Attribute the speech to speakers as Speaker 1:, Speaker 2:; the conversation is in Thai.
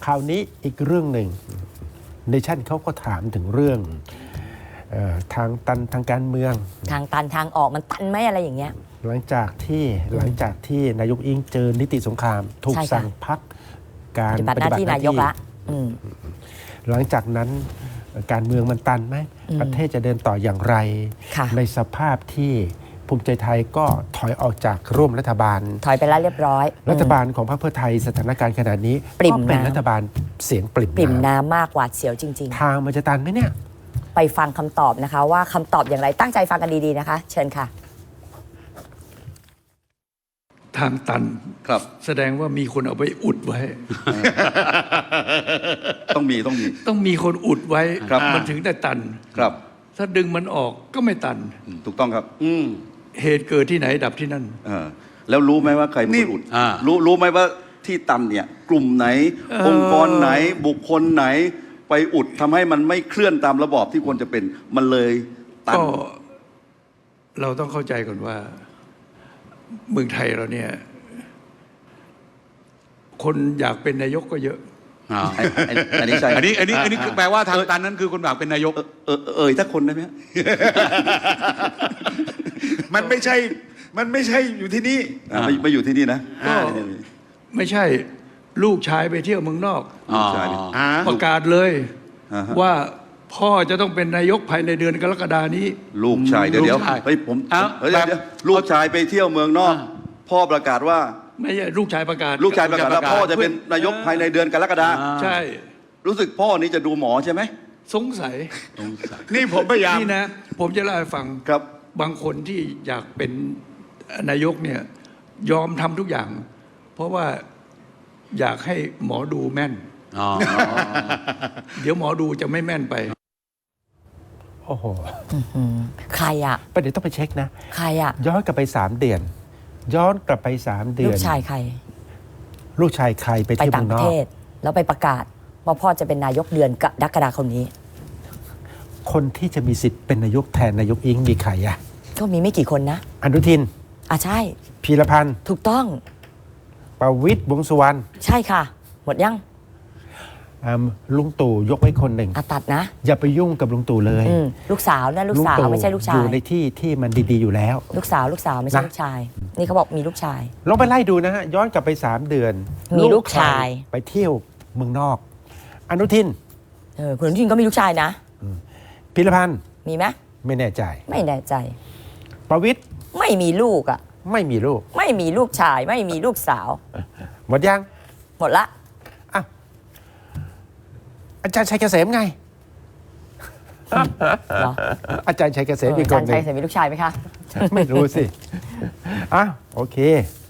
Speaker 1: คราวนี้อีกเรื่องหนึ่งเนชั่นเขาก็ถามถึงเรื่องทางตันทางการเมือง
Speaker 2: ทางตันทางออกมันตันไหมอะไรอย่างเงี้ย
Speaker 1: หลังจากที่นายกอิงเจอนิติสงครามถูกสั่งพักการ
Speaker 2: ปฏิบัติหน้าที่นายกละ
Speaker 1: หลังจากนั้นการเมืองมันตันไหมประเทศจะเดินต่ออย่างไรในสภาพที่ภูมิใจไทยก็ถอยออกจากร่วมรัฐบาล
Speaker 2: ถอยไปแล้วเรียบร้อย
Speaker 1: รัฐบาลของพรรคเพื่อไทยสถานการณ์ขนาดนี้ก็เป็นรัฐบาลเสียงปริ่ม
Speaker 2: น้ำมากกว่าเสียวจริง
Speaker 1: ๆทางมันจะตันไหมเนี่ย
Speaker 2: ไปฟังคำตอบนะคะว่าคำตอบอย่างไรตั้งใจฟังกันดีๆนะคะเชิญค่ะ
Speaker 3: ทางตัน
Speaker 4: ครับ
Speaker 3: แสดงว่ามีคนเอาไปอุดไว้
Speaker 4: ต้อง
Speaker 3: มีคนอุดไว้
Speaker 4: มัน
Speaker 3: ถึงได้ตัน
Speaker 4: ครับ
Speaker 3: ถ้าดึงมันออกก็ไม่ตัน
Speaker 4: ถูกต้องครับ
Speaker 3: เหตุเกิดที่ไหนดับที่นั่น
Speaker 4: แล้วรู้ไหมว่าใครเป็นคนอุดรู้ไหมว่าที่ตันเนี่ยกลุ่มไหนองค์กรไหนบุคคลไหนไปอุดทำให้มันไม่เคลื่อนตามระบอบที่ควรจะเป็นมันเลยตัน
Speaker 3: ก็เราต้องเข้าใจก่อนว่าเมืองไทยเราเนี่ยคนอยากเป็นนายกก็เยอะ
Speaker 4: อันนี้ใช่
Speaker 5: อันนี้แปลว่าทางตันนั้นคือคนอยากเป็นนายก
Speaker 4: ถ้าคนได้ไหม
Speaker 5: มันไม่ใช่อยู่ที่นี่
Speaker 4: ไม่อยู่ที่นี่นะ
Speaker 3: ก็ไม่ใช่ลูกชายไปเที่ยวเมืองนอกประกาศเลยว่าพ่อจะต้องเป็นนายกภายในเดือนกรกฎานี้
Speaker 4: ลูกชายเดี๋ยวลูกชายไปเที่ยวเมืองนอกพ่อประกาศว่า
Speaker 3: ไม่ใช่ลูกชายประกาศ
Speaker 4: ว่าพ่อจะเป็นนายกภายในเดือนกรกฎา
Speaker 3: ใช่
Speaker 4: รู้สึกพ่อนี้จะดูหมอใช่ไหม
Speaker 3: สงสัย
Speaker 5: นี่ผมพยายาม
Speaker 3: นี่นะผมจะเล่าให้ฟัง
Speaker 4: ครับ
Speaker 3: บางคนที่อยากเป็นนายกเนี่ยยอมทำทุกอย่างเพราะว่าอยากให้หมอดูแม่นเดี๋ยวหมอดูจะไม่แม่นไป
Speaker 1: โอ้โห
Speaker 2: ใครอะ
Speaker 1: ประเดี๋ยวต้องไปเช็คนะ
Speaker 2: ใครอะ
Speaker 1: ย้อนกลับไป3 เดือน
Speaker 2: ลูกชายใคร
Speaker 1: ไปเที่ยว
Speaker 2: ต่างประเทศแล้วไปประกาศว่าพ่อจะเป็นนายกเดือนกรกฎาคมนี้
Speaker 1: คนที่จะมีสิทธิ์เป็นนายกแทนนายกอิงมีใครอะ
Speaker 2: ก็มีไม่กี่คนนะ
Speaker 1: อนุทิน
Speaker 2: ใช่
Speaker 1: พีรพันธ์
Speaker 2: ถูกต้อง
Speaker 1: ประวิตรวงษ์สุวรรณ
Speaker 2: ใช่ค่ะหมดยัง
Speaker 1: ลุงตู่ยกไว้คนหนึ่ง
Speaker 2: ตัดนะ
Speaker 1: อย่าไปยุ่งกับลุงตู่เลย
Speaker 2: ลูกสาวนะลูกสาวไม่ใช่ลูกชาย
Speaker 1: อยู่ในที่มันดีๆอยู่แล้ว
Speaker 2: ลูกสาวไม่ใช่ลูกชายนี่เขาบอกมีลูกชาย
Speaker 1: ลองไปไล่ดูนะฮะย้อนกลับไป3 เดือน
Speaker 2: มีลูกชาย
Speaker 1: ไปเที่ยวเมืองนอกอนุทิน
Speaker 2: คุณอนุทินก็มีลูกชายนะ
Speaker 1: พีรพันธ์
Speaker 2: มีไหม
Speaker 1: ไม่แน่ใจประวิตร
Speaker 2: ไม่มีลูก
Speaker 1: ไม่มีลูก
Speaker 2: ไม่มีลูกชายไม่มีลูกสาว
Speaker 1: หมดยัง
Speaker 2: หมดละ
Speaker 1: อาจารย์ชัยเกษมไงอาจารย์ชัยเกษมมีคนหนึ่ง
Speaker 2: อาจารย์ชัยเกษมมีลูกชายไหมคะ
Speaker 1: ไม่รู้สิโอเค